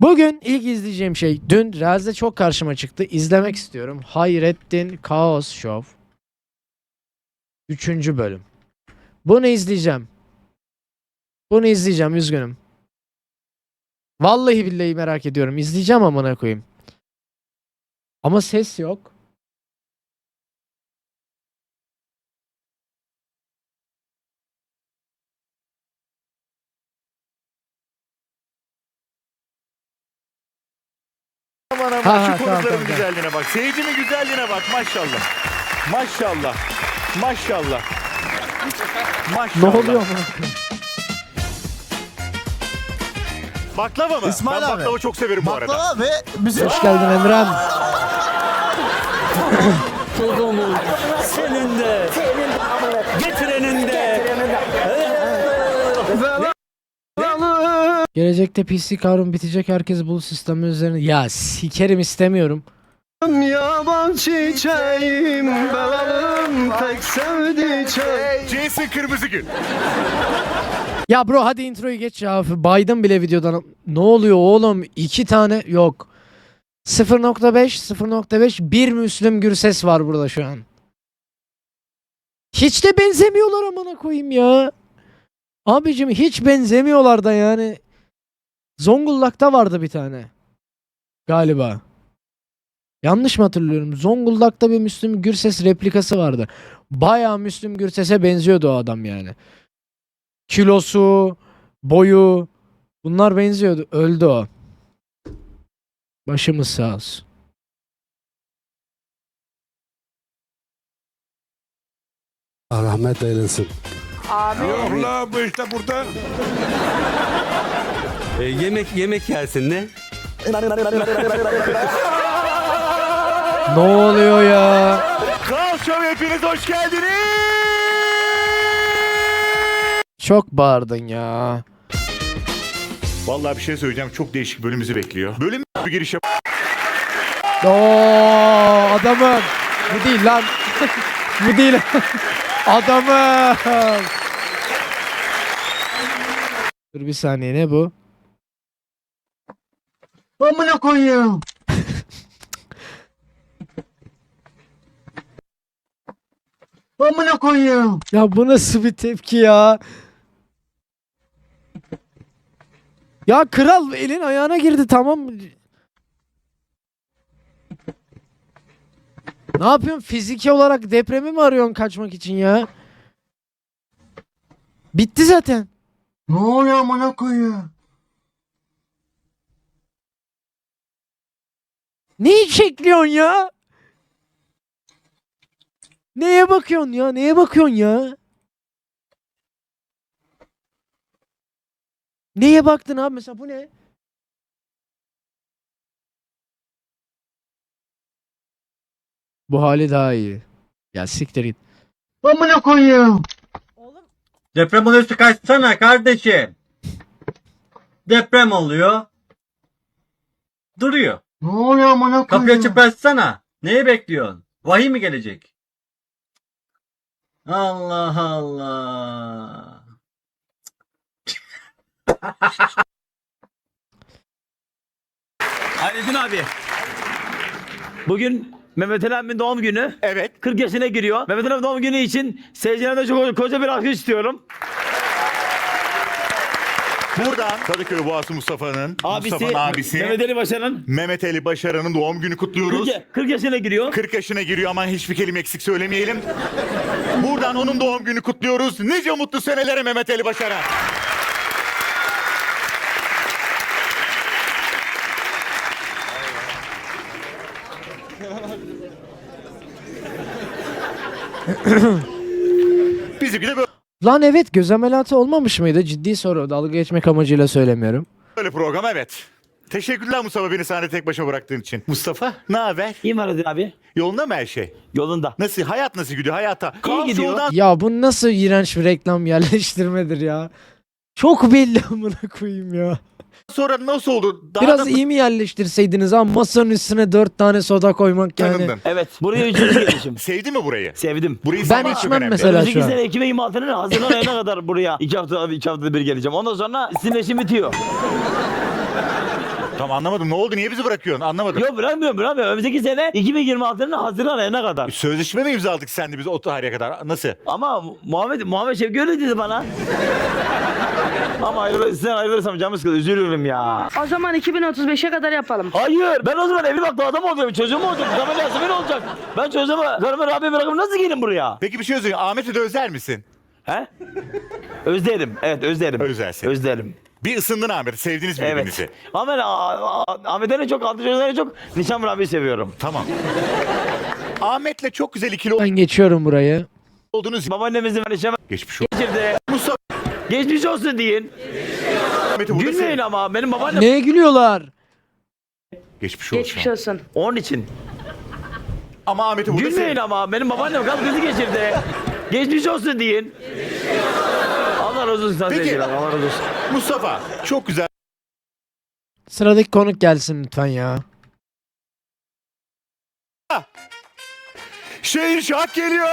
Bugün ilk izleyeceğim şey dün Reels'de çok karşıma çıktı. İzlemek istiyorum. Hayrettin Kaos Show. 3. bölüm. Bunu izleyeceğim. Bunu izleyeceğim, üzgünüm. Vallahi billahi merak ediyorum. İzleyeceğim amına koyayım. Ama ses yok. Aman aman Ha, şu ha, konukların tamam. güzelliğine bak. Seyircinin güzelliğine bak maşallah. Maşallah. Maşallah. Ne Maşallah. oluyor amına koyayım? Baklava mı? İsmail ben abi. baklava çok severim bu arada. Baklava ve bizim... Hoş geldin Emrem. Senin de, getirenin de. Gelecekte PC kavramı bitecek, herkes bu sistemi üzerine... Ya sikerim, istemiyorum. Yaban çiçeğim, belalım tek sevdiceğim. Jason Kırmızıgül. Ya bro hadi introyu geç ya. Baydım bile videodan. Ne oluyor oğlum? 2 tane yok. 0.5 bir Müslüm Gürses var burada şu an. Hiç de benzemiyorlar amına koyayım ya. Abicim hiç benzemiyorlar da yani. Zonguldak'ta vardı bir tane. Galiba. Yanlış mı hatırlıyorum? Zonguldak'ta bir Müslüm Gürses replikası vardı. Bayağı Müslüm Gürses'e benziyordu o adam yani. Kilosu, boyu, bunlar benziyordu. Öldü o. Başımız sağ olsun. Rahmet eylesin. Yok la bu işte burada. Yemek yersin ne? Ne oluyor ya? Kral Show hepiniz hoş geldiniz. Çok bağırdın ya. Vallahi bir şey söyleyeceğim. Çok değişik bölümümüzü bekliyor. Bölüm bir giriş yap. Oo adamım. Bu değil lan. Bu değil. Adamım. Dur bir saniye, ne bu? Amına koyayım. Amına koyayım. Ya bu nasıl bir tepki ya? Ya kral elin ayağına girdi, tamam. Ne yapıyorsun? Fiziki olarak depremi mi arıyorsun kaçmak için ya? Bitti zaten. Ne oluyor amına koyayım? Neyi çekliyorsun ya? Neye bakıyorsun ya? Neye bakıyorsun ya? Neye baktın abi? Mesela bu ne? Bu hali daha iyi. Ya siktir git. Amına koyayım. Deprem oluyorsa kaçsana kardeşim. Deprem oluyor. Duruyor. Ne oluyor amına Kapıyı koyayım? açıp açsana. Neyi bekliyorsun? Vahiy mi gelecek? Allah Allah. Hayrettin abi. Bugün Mehmet Ali abimin doğum günü. Evet. 40 yaşına giriyor. Mehmet Ali abimin doğum günü için seyircilerden çok koca bir alkış istiyorum. Buradan Kadıköy Boğası Mustafa'nın abisi Mehmet Ali Başaran'ın Mehmet Ali Başaran'ın doğum günü kutluyoruz. 40 yaşına giriyor. 40 yaşına giriyor ama hiçbir kelime eksik söylemeyelim. Buradan onun doğum günü kutluyoruz. Nice mutlu senelere Mehmet Ali Başaran. Bizimki de Lan evet, göz ameliyatı olmamış mıydı? Ciddi soru. Dalga geçmek amacıyla söylemiyorum. böyle program, evet. Teşekkürler Mustafa, beni sahnede tek başına bıraktığın için. Mustafa, ne haber? İyi mi Hayrettin abi? Yolunda mı her şey? Yolunda. Nasıl? Hayat nasıl gidiyor hayata? Kaos gidiyor. Show'dan Ya bu nasıl iğrenç bir reklam yerleştirmedir ya. Çok belli amına koyayım ya. sonra nasıl oldu? Daha Biraz da iyi mi yerleştirseydiniz ha? Masanın üstüne 4 tane soda koymak yani. tanındın. Evet. Buraya 3. gelişim. Sevdin mi burayı? Sevdim. Burayı Ben sevmek çok içmem önemli. mesela. Önümüzdeki şu an. sene 2026'nın Haziran ayına kadar buraya 2 haftada bir geleceğim. Ondan sonra sizin işim bitiyor. Tamam anlamadım. Ne oldu? Niye bizi bırakıyorsun? Anlamadım. Yok bırakmıyorum. Önümüzdeki sene 2026'nın Haziran ayına kadar. Sözleşme mi imzaladık sen de biz o tarihe kadar? Nasıl? Ama Muhammed Şevki öyle dedi bana. Ama sen ayrılırsam canım sıkılır. Üzülürüm ya. O zaman 2035'e kadar yapalım. Hayır. Ben o zaman evli baklı adam olacağım. Çocuğum olacak. Zaman Yasemin olacak. Ben çocuğumu karımı Rabia'ya bırakıp nasıl gelin buraya? Peki bir şey söyleyeyim. Ahmet'i de özler misin? He? Özlerim. Evet özlerim. Özlersin. Özlerim. Bir ısındın Ahmet'i. Sevdiniz birbirinizi. Evet. Ama ben Ahmet'den çok, altı çocuklardan çok Nişan Rabia'yı seviyorum. Tamam. Ahmet'le çok güzel ikili Ben geçiyorum burayı. oldunuz. Babaannemizin Nişan Geçmiş olsun. geçirdi. Mustafa Geçmiş olsun deyin. Ahmet'i burada Gülmeyin sev. ama benim babaannem. Neye gülüyorlar? Geçmiş olsun. Geçmiş olsun. Onun için. Ama Ahmet'i burada Gülmeyin sev. ama benim babaannem kalp krizi geçirdi. Geçmiş olsun deyin. Allah razı olsun. Peki. Peki. Allah razı olsun. Mustafa çok güzel. Sıradaki konuk gelsin lütfen ya. Şehinşah geliyor.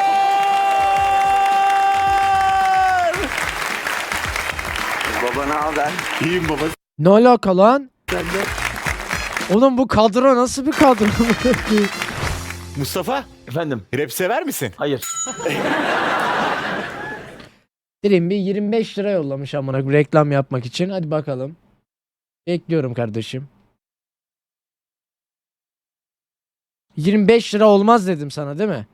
Baba ne haber? İyiyim baba. Ne alaka lan? Oğlum bu kadro nasıl bir kadro? Mustafa Efendim. rap sever misin? Hayır. Dilim bir 25 lira yollamış amına koyayım reklam yapmak için. Hadi bakalım. Bekliyorum kardeşim. 25 lira olmaz dedim sana değil mi?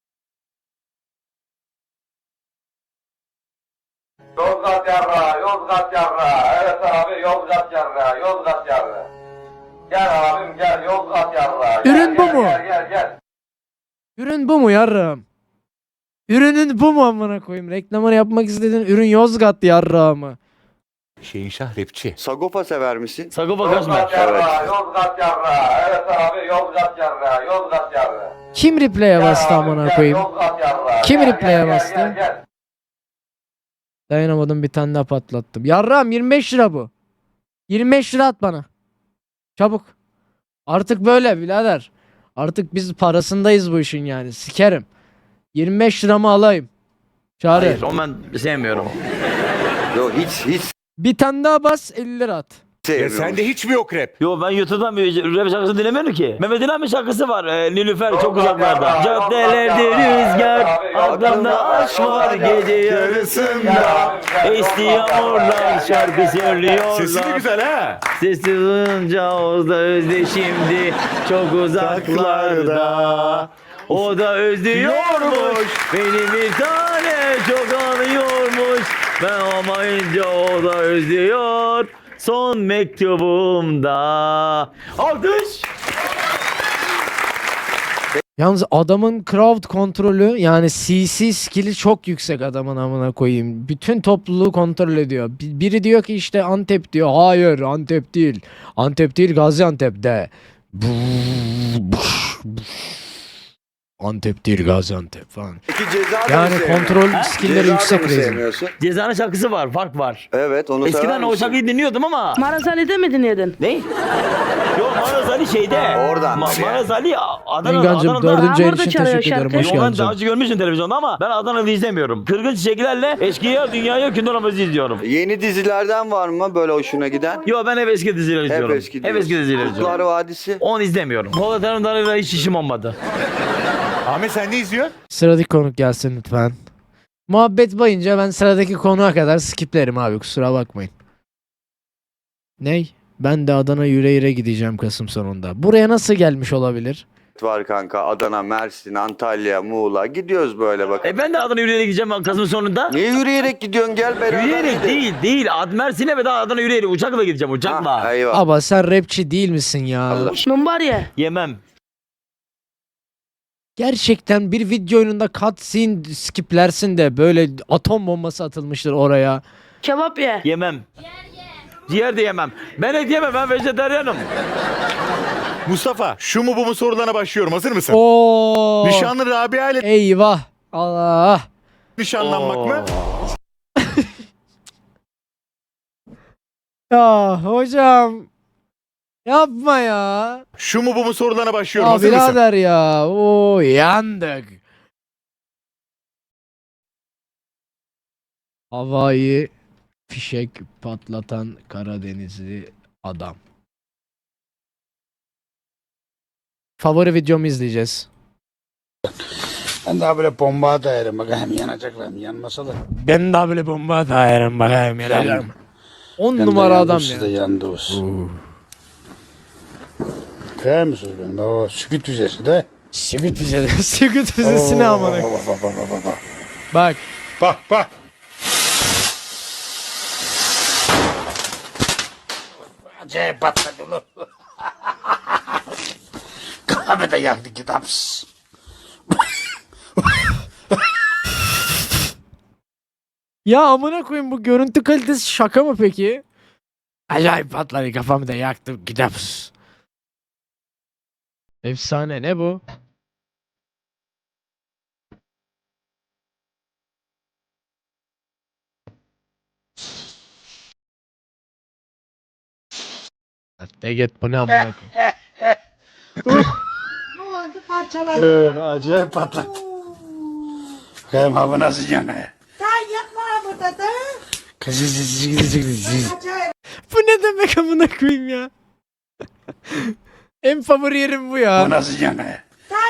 Yozgat yarra, Yozgat yarra. Evet abi Yozgat yarra, Yozgat yarra. Gel abim gel Yozgat yarra. Gel, Ürün bu gel, mu? Gel. Ürün bu mu yarrağım? Ürünün bu mu amına koyayım? Reklamını yapmak istediğin ürün Yozgat yarrağı mı? Şehinşah rapçi. Sagopa sever misin? Sagopa Kajmer. Yozgat yarra, Yozgat yarra. Evet abi Yozgat yarra, Yozgat yarra. Kim replay'e bastı amına koyayım? Yozgat yarra. Kim Gel, replay'e gel, bastı? Gel. Dayanamadım bir tane daha patlattım. Yarrağım 25 lira bu. 25 lira at bana. Çabuk. Artık böyle birader. Artık biz parasındayız bu işin yani. Sikerim. 25 liramı alayım. Çağrı. Hayır, onu ben sevmiyorum. Yok hiç Bir tane daha bas 50 lira at. Ya sevmiyorum. sende hiç mi yok rap? Yo ben YouTube'dan bir rap şarkısı dinlemiyorum ki. Mehmet İlhan bir şarkısı var. Nilüfer çok uzaklarda. Caddelerde rüzgar, aklımda aşk var gece yarısında. Esti yağmurlar şarkı söylüyorlar. Sesi de güzel ha. Sesi duyunca o da özle şimdi çok uzaklarda. O da özlüyormuş beni bir tane çok anıyormuş. Ben olmayınca o da özlüyor. Son mektubumda. Alkış. Yalnız adamın crowd kontrolü yani CC skill'i çok yüksek adamın amına koyayım. Bütün topluluğu kontrol ediyor. Biri diyor ki işte Antep diyor. Hayır Antep değil. Antep değil Gaziantep'te. Antep değil Gaziantep falan. Peki ceza da Yani mı sevmiyorsun? kontrol skill'leri Ceza da yüksek mı rezil. sevmiyorsun? Cezanın şarkısı var. Fark var. Evet onu sever Eskiden o misin? şarkıyı dinliyordum ama. Maraz Ali'de mi dinledin? Ne? Yok Maraz Ali şeyde. Oradan yani. Maraz Ali Adana'da. Engancım Adana'da. 4. ayın Orada için çalıyor teşekkür ederim. şarkı. Hoş Yo, ben geldin. daha önce görmüştüm televizyonda ama ben Adana'da izlemiyorum. Kırgın çiçeklerle eşkıya dünyayı hükümdarımızı izliyorum. Yeni dizilerden var mı böyle hoşuna giden? Yo ben hep eski dizileri izliyorum. Hep eski diyorsun. dizileri izliyorum. Kurtlar Vadisi. Onu izlemiyorum. Polat Alemdar'la hiç işim olmadı. Ahmet sen ne izliyorsun? Sıradaki konuk gelsin lütfen. Muhabbet bayınca ben sıradaki konuğa kadar skiplerim abi kusura bakmayın. Ney? Ben de Adana yüreğire gideceğim Kasım sonunda. Buraya nasıl gelmiş olabilir? Var kanka Adana, Mersin, Antalya, Muğla gidiyoruz böyle bak. Ben de Adana yürüyerek gideceğim Kasım'ın sonunda. Niye yürüyerek gidiyorsun gel beraber Yürüyerek gidelim. değil. Mersin'e ve daha Adana yürüyerek uçakla gideceğim uçakla. Ha, eyvah. Aba sen rapçi değil misin ya? Allah. Numbarya. Yemem. Gerçekten bir video oyununda cutscene skiplersin de böyle atom bombası atılmıştır oraya. Kebap ye. Yemem. Ciğer de yemem. Ben et yemem, ben vejetaryenim. Mustafa şu mu bu mu sorularına başlıyorum. Hazır mısın? Oo. Nişanlı Rabia ile Eyvah. Allah. nişanlanmak mı? Ya hocam. Yapma ya. Şu mu bu mu sorularına başlıyorum. Ya Hazır mısın? birader ya. Oo yandık. Havayı fişek patlatan Karadenizli adam. favori videomu izleyeceğiz. Ben daha böyle bomba atayarım. Bak hem yanacaklar hem yanmasa da. Ben daha böyle bomba atayarım bakayım ya. 10 Ben numara de adam yandım, siz ya. de yandınız. Kıyar mısınız benim? O sükut üzerisi de. Sivit füzesi. Sivit füzesi ne amına. Bak. Bak. Bak. Acayip patladı oğlum. Kahve de yaktı kitapsız. Ya amına koyayım bu görüntü kalitesi şaka mı peki? Acayip patladı kafamı da yaktım gidiyoruz. Efsane ne bu? Ne git bu ne amına koyayım. Acayip patladı. Bakayım hava nasıl yanıyor. Bu ne demek amına koyayım ya? En favori yerim bu ya. Hava nasıl yanıyor.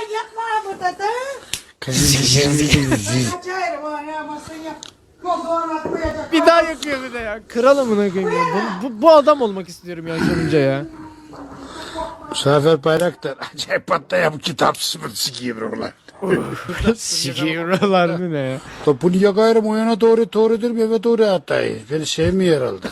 Bir daha yakıyor bir de ya. Kral amına koyayım ya. Bu adam olmak istiyorum ya sonunca ya. Zafer Bayraktar acayip patlıyor bu kitapsız mı sikiyim ulan. Sikiyorlar ne ya? Bunu yakayırım o yana doğrudur eve doğru atayım. Beni sevmiyor herhalde.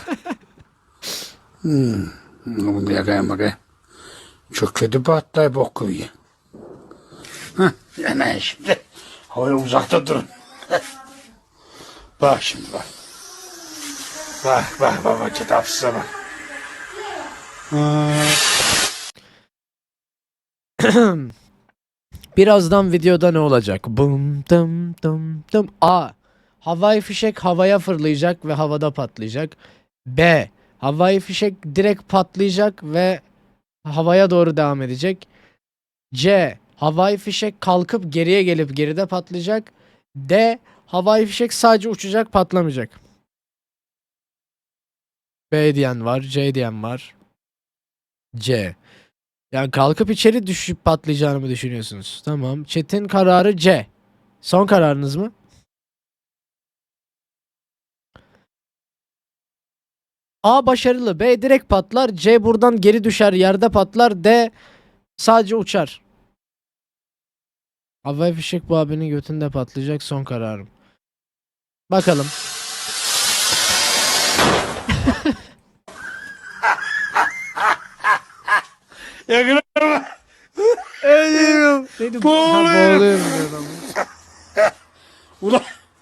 Bunu yakayım bakayım. Çok kötü patlıyor bok koyuyor. Hah yana şimdi. Havaya uzakta durun. Bak şimdi bak. Bak kitapsıza bak. Birazdan videoda ne olacak? Bum dım dım dım. A. Havai fişek havaya fırlayacak ve havada patlayacak. B. Havai fişek direkt patlayacak ve havaya doğru devam edecek. C. Havai fişek kalkıp geriye gelip geride patlayacak. D. Havai fişek sadece uçacak patlamayacak. B diyen var, C diyen var. C. Yani kalkıp içeri düşüp patlayacağını mı düşünüyorsunuz? Tamam. Chat'in kararı C. Son kararınız mı? A başarılı. B direkt patlar. C buradan geri düşer. Yerde patlar. D sadece uçar. Havai fişek bu abinin götünde patlayacak. Son kararım. Bakalım. Yakın Ölüyorum. Neydi? Boğuluyorum. Boğuluyorum diyor adam. ulan.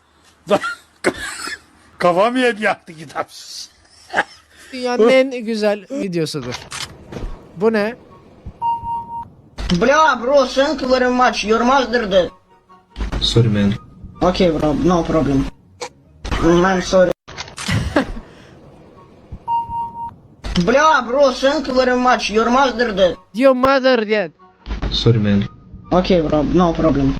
Kafam hep yaktı kitapsız. Dünyanın en güzel videosudur. Bu ne? Bля, bro, thank you very much. Your mother dead. Sorry man. Okay, bro, no problem. I'm sorry. Bля, bro, thank you very much. Your mother dead. Your mother dead. Sorry man. Okay, bro, no problem.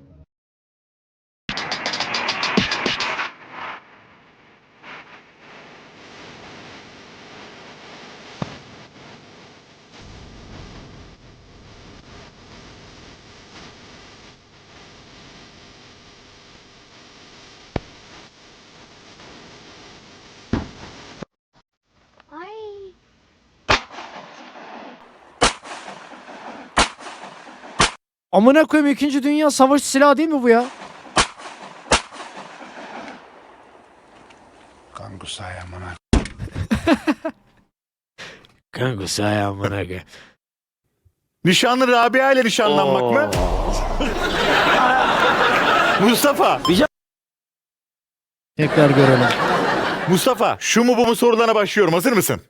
Amına koyayım 2. Dünya Savaşı silahı değil mi bu ya? Kangusa ayağımına. Kanka amına koyayım. Nişanlı Rabia ile nişanlanmak mı? Mustafa. Tekrar görelim. Mustafa şu mu bu mu sorularına başlıyorum. Hazır mısın?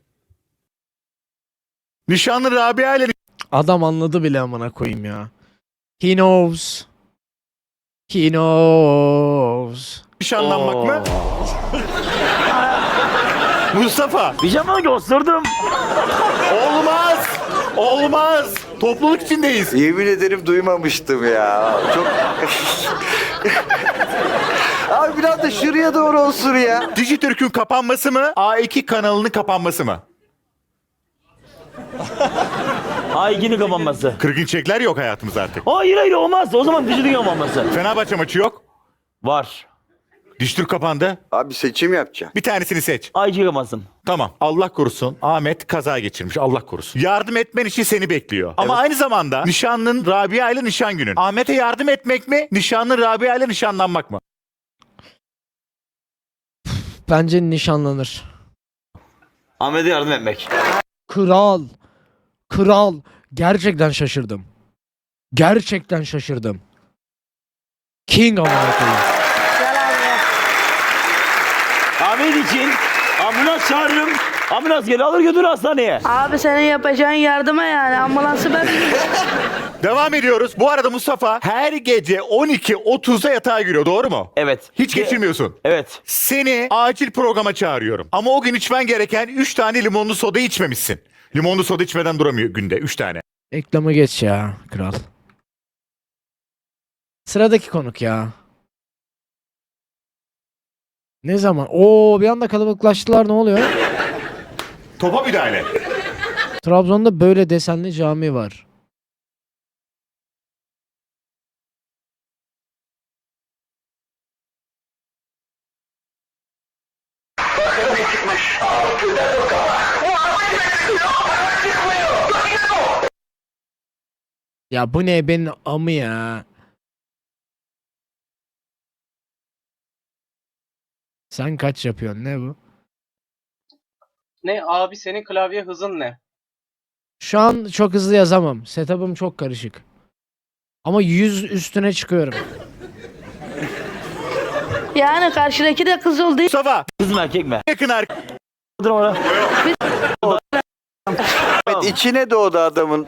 Nişanlı Rabia ile Adam anladı bile amına koyayım ya. He knows. He knows. nişanlanmak mı? Mustafa. Pijama gösterdim. Olmaz. Olmaz. Topluluk içindeyiz. Yemin ederim duymamıştım ya. Çok... Abi biraz da şuraya doğru olsun ya. Dijitürk'ün kapanması mı? A2 kanalının kapanması mı? A2'nin kapanması. Kırgın çekler yok hayatımızda artık. Hayır olmaz. O zaman Dijitürk kapanması. Fenerbahçe maçı yok. Var. Dijitürk kapandı. Abi seçim yapacağım. Bir tanesini seç. A2 kapansın. Tamam. Allah korusun. Ahmet kaza geçirmiş. Allah korusun. Yardım etmen için seni bekliyor. Ama aynı zamanda nişanlın Rabia ile nişan günün. Ahmet'e yardım etmek mi? Nişanlın Rabia ile nişanlanmak mı? Bence nişanlanır. Ahmet'e yardım etmek. Kral. Kral. Gerçekten şaşırdım. Gerçekten şaşırdım. King amına koyayım. Ahmet için ambulans çağırırım. Ambulans gelir alır götürür hastaneye. Abi senin yapacağın yardıma yani ambulansı ben... Devam ediyoruz. Bu arada Mustafa her gece 12.30'da yatağa giriyor. Doğru mu? Evet. Hiç geçirmiyorsun. Evet. Seni acil programa çağırıyorum. Ama o gün içmen gereken 3 tane limonlu soda içmemişsin. Limonlu soda içmeden duramıyor günde 3 tane. Reklamı geç ya kral. Sıradaki konuk ya. Ne zaman? Oo bir anda kalabalıklaştılar, ne oluyor? Topa müdahale. Trabzon'da böyle desenli cami var. Ya bu ne benim amı ya. Sen kaç yapıyorsun, ne bu? Ne abi, senin klavye hızın ne? Şu an çok hızlı yazamam. Setup'ım çok karışık. Ama 100 üstüne çıkıyorum. Yani karşıdaki de kız olduğu Mustafa Kız mı erkek mi? yakın arkadaş. Dur oraya. Evet, içine doğdu adamın.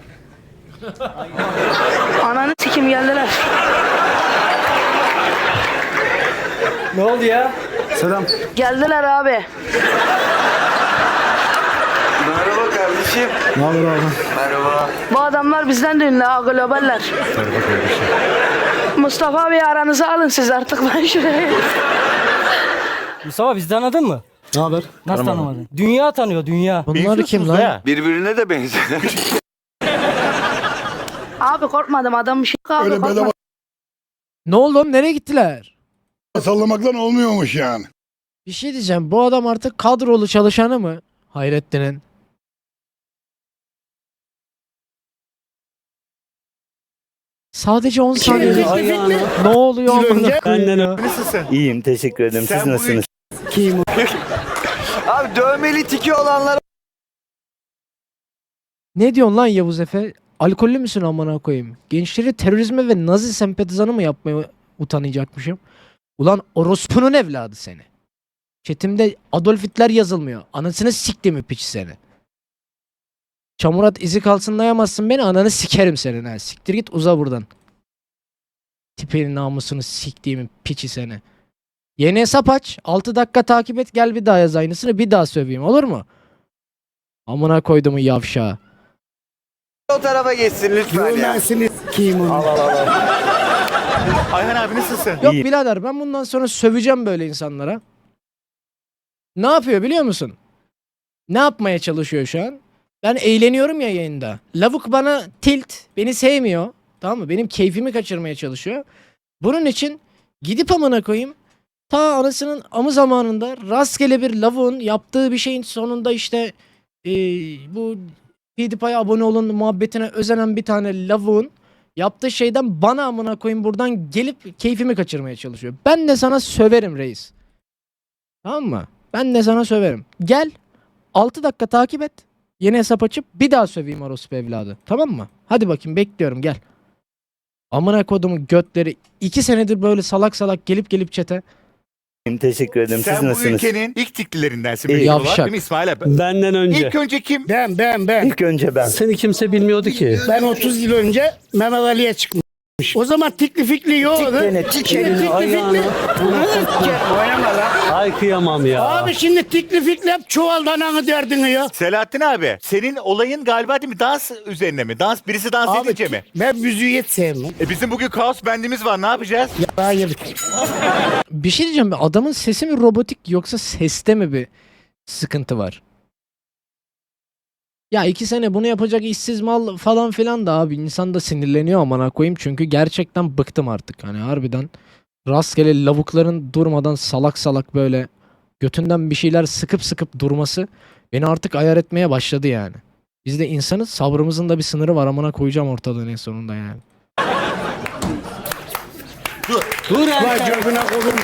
ananı sikim geldiler. Ne oldu ya? Geldiler abi. Merhaba kardeşim. Ne haber abi? Merhaba. Bu adamlar bizden de ünlü ha, globaller. Mustafa abi aranızı alın siz artık, ben şuraya. Mustafa, bizi tanıdın mı? Ne haber? Nasıl tanımadın? Dünya tanıyor, dünya. Bunlar kim lan? Ya. Birbirine de benziyor. Abi korkmadım, adam bir şey abi, korkmadım. Ne oldu oğlum, nereye gittiler? Sallamaktan olmuyormuş yani. Bir şey diyeceğim, bu adam artık kadrolu çalışanı mı? Hayrettin'in. Sadece 10 saniye. Ne oluyor amına koyayım ya? Nasılsın? İyiyim, teşekkür ederim. Sen bugün Abi dövmeli tiki olanlara Ne diyorsun lan Yavuz Efe? Alkollü müsün amına koyayım? Gençleri terörizme ve Nazi sempatizanı mı yapmaya utanacakmışım? Ulan orospunun evladı seni. Chatimde Adolf Hitler yazılmıyor. Anasını siktiğimi piç seni. Çamurat izi kalsınlayamazsın beni, ananı sikerim senin ha. Siktir git, uza buradan. Tipinin namusunu siktiğimin piçi seni. Yeni hesap aç. 6 dakika takip et, gel bir daha yaz aynısını, bir daha söveyim, olur mu? Amına koyduğumu yavşağı. o tarafa geçsin lütfen ya. Ayhan abi nasılsın? Yok birader, ben bundan sonra söveceğim böyle insanlara. Ne yapıyor biliyor musun? Ne yapmaya çalışıyor şu an? Ben eğleniyorum ya yayında. Lavuk bana tilt, beni sevmiyor. Tamam mı? Benim keyfimi kaçırmaya çalışıyor. Bunun için gidip amına koyayım, ta anasının amı zamanında rastgele bir lavuğun yaptığı bir şeyin sonunda işte bu PewDiePie'ye abone olun muhabbetine özenen bir tane lavuğun yaptığı şeyden bana amına koyayım buradan gelip keyfimi kaçırmaya çalışıyor. Ben de sana söverim reis. Tamam mı? Ben de sana söverim. Gel 6 dakika takip et. Yeni hesap açıp bir daha söveyim orospu evladı. Tamam mı? Hadi bakayım, bekliyorum, gel. Amına kodumun götleri 2 senedir böyle salak salak gelip çete. Teşekkür ederim. Sen bu ülkenin ilk tiklilerindensin. İyi, büyük olarak, yavşak. değil mi İsmail abi? Benden önce. İlk önce kim? Ben. İlk önce ben. Seni kimse bilmiyordu ki. Ben 30 yıl önce Mehmet Ali'ye çıkmış. O zaman tikli fikli yoktu. Elini ayağını. Oynama lan. Ay kıyamam ya. Abi şimdi tikli fikli hep çuvaldan anı derdini ya. Selahattin abi, senin olayın galiba değil mi? Dans üzerine mi? Birisi dans Abi edince mi? ben müziği hiç sevmem. Bizim bugün kaos bendimiz var, ne yapacağız? Hayır. Bir şey diyeceğim, adamın sesi mi robotik yoksa seste mi bir sıkıntı var? Ya 2 sene bunu yapacak işsiz mal falan filan da abi insan da sinirleniyor amına koyayım. Çünkü gerçekten bıktım artık. Hani harbiden rastgele lavukların durmadan salak salak böyle götünden bir şeyler sıkıp sıkıp durması beni artık ayar etmeye başladı yani. Biz de insanız, sabrımızın da bir sınırı var, amına koyacağım ortalığın en sonunda yani. Dur Vay cebine koydum.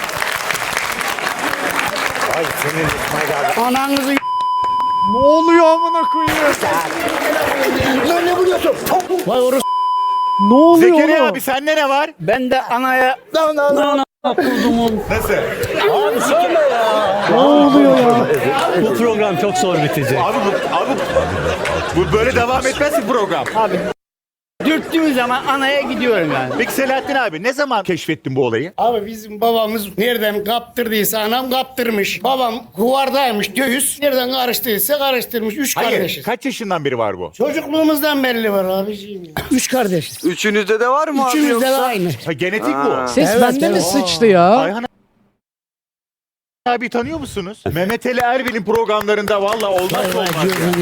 Ay senin İsmail abi. Ananızı Ne oluyor amına koyayım? Lan ne vuruyorsun? Vay orası. Ne oluyor Zekeriya oğlum? abi sende ne var? Ben de anaya... kurdumun. Nasıl? Abi söyle ya. Ne oluyor ya? Bu program çok zor bitecek. Abi bu böyle devam etmez ki program. Dürttüğüm zaman anaya gidiyorum yani. Peki Selahattin abi ne zaman keşfettin bu olayı? Abi bizim babamız nereden kaptırdıysa anam kaptırmış. Babam kuvardaymış göğüs. Nereden karıştıysa karıştırmış. 3 Hayır. kardeşiz. Kaç yaşından beri var bu? Çocukluğumuzdan belli var abiciğim. 3 kardeşiz. Üçünüzde de var mı abi Üçümüzde de yoksa? aynı. Ha, genetik bu. Ses Evet, bende mi evet. sıçtı ya? Ayhan abi tanıyor musunuz? Mehmet Ali Erbil'in programlarında valla olmaz Vay olmaz. gözünü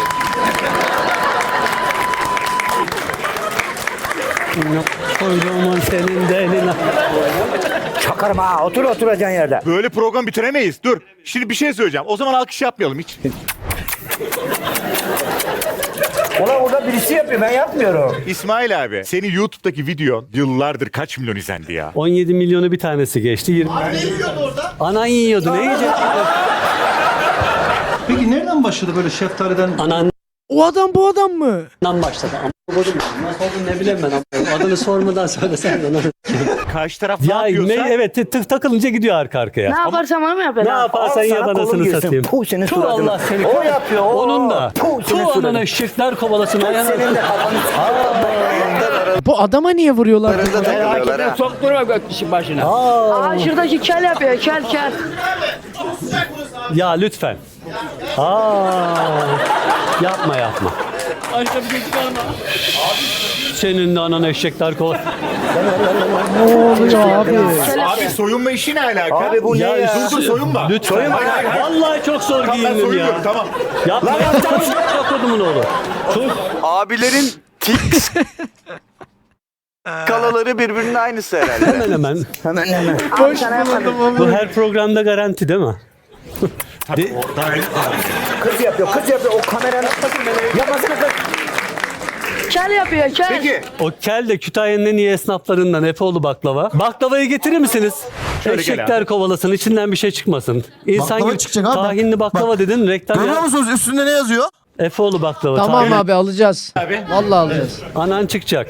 Koyduğumun senin de eline. Çakarım ha. Oturacaksın yerde. Böyle program bitiremeyiz. Dur. Şimdi bir şey söyleyeceğim. O zaman alkış yapmayalım hiç. Ulan orada birisi yapıyor, ben yapmıyorum. İsmail abi senin YouTube'daki videon yıllardır kaç milyon izlendi ya? 17 milyonu bir tanesi geçti. 20. Ne yiyordu orada? Anan yiyordu. Ne yiyecek? Peki nereden başladı böyle şeftaliden? Anandan O adam bu adam mı? başladı. Ama kodum nasıl oldu ne bileyim ben. Adını sormadan söylesen de. Karşı taraf ne Ya yapıyorsa evet takılınca gidiyor arka arkaya. Ne yaparsam onu mu Ne yapıyorsun? yaparsan yap anasını satayım. Puh senin Tu suratına. Allah seni. O yapıyor. O. Onun da. Puh senin Tu suratına. anana eşekler kovalasın. Senin de kafanı. Bu adama niye vuruyorlar? Takılıyorlar ha. Sokturma gökkişi başına. Aa şuradaki kel yapıyor, kel. Ya lütfen. Yapma. Senin de anan eşekler kovalasın. Ne oluyor abi? abi soyunma işi ne alaka? Abi bu ne ya? Dur soyunma. Lütfen. Vallahi çok zor Tamam, ben giyindim soyunuyorum ya. tamam. Yapma. Yapma kodumun oğlu. Abilerin tik skalaları birbirinin aynısı herhalde. Hemen. Boş bulundum ama. Bu her programda garanti değil mi? Kız yapıyor. O kameranın yapmasana kız. Kel yapıyor, kel. Peki O kel de Kütahya'nın en iyi esnaflarından Efeoğlu baklava. Baklavayı getirir misiniz? Şöyle gel Eşekler abi. kovalasın, içinden bir şey çıkmasın. İnsan Baklava gibi çıkacak abi. tahinli baklava dedin, reklam Görüyor ya. musunuz üstünde ne yazıyor? Efeoğlu baklava. Tamam tahinli. abi alacağız. Abi. Vallahi alacağız. Anan çıkacak.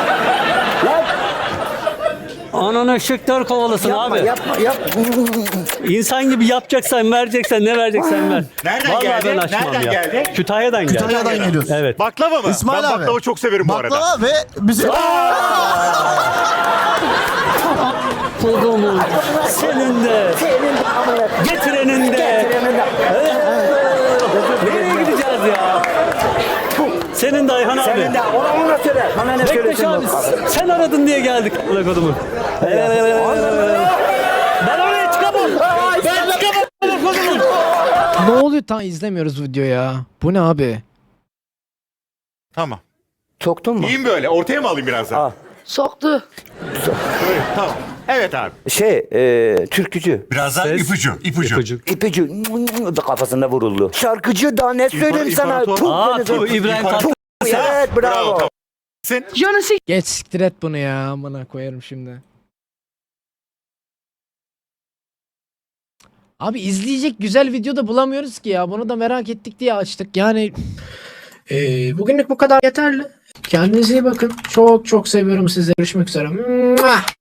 Anan eşekler kovalasın abi. Yapma. İnsan gibi yapacaksan, vereceksen, ne vereceksen ver. Nereden Vallahi geldi? ben açmam Nereden ya. geldi? Kütahya'dan geldi. Kütahya'dan geliyor. Evet. Baklava mı? İsmail ben abi. baklava çok severim bu arada. Baklava ve bize... Kodumun senin de getirenin de. Nereye gideceğiz ya? Senin de Ayhan abi. Senin de ona söyle. Bana ne Bekleş söylüyorsun? abi sen aradın diye geldik. Ulan kodumun. Ben oraya çıkamam. Ben çıkamam kodumun. Ne oluyor? Tam izlemiyoruz video ya. Bu ne abi? Tamam. Soktun mu? İyiyim böyle. Ortaya mı alayım biraz daha? Al. Soktu. Böyle, tamam. Evet abi. Türkücü. Biraz daha Ses. ipucu. İpici kafasında vuruldu. Şarkıcı da ne söyleyeyim sana? İmparator. Puh, seni- İbrahim İmparator. Tatlıses. Evet bravo. Tamam. Sen Johnny Sik. Geç siktir et bunu ya. Amına koyarım şimdi. Abi izleyecek güzel video da bulamıyoruz ki ya. Bunu da merak ettik diye açtık. Yani bugünlük bu kadar yeterli. Kendinize iyi bakın. Çok çok seviyorum sizi. Görüşmek üzere.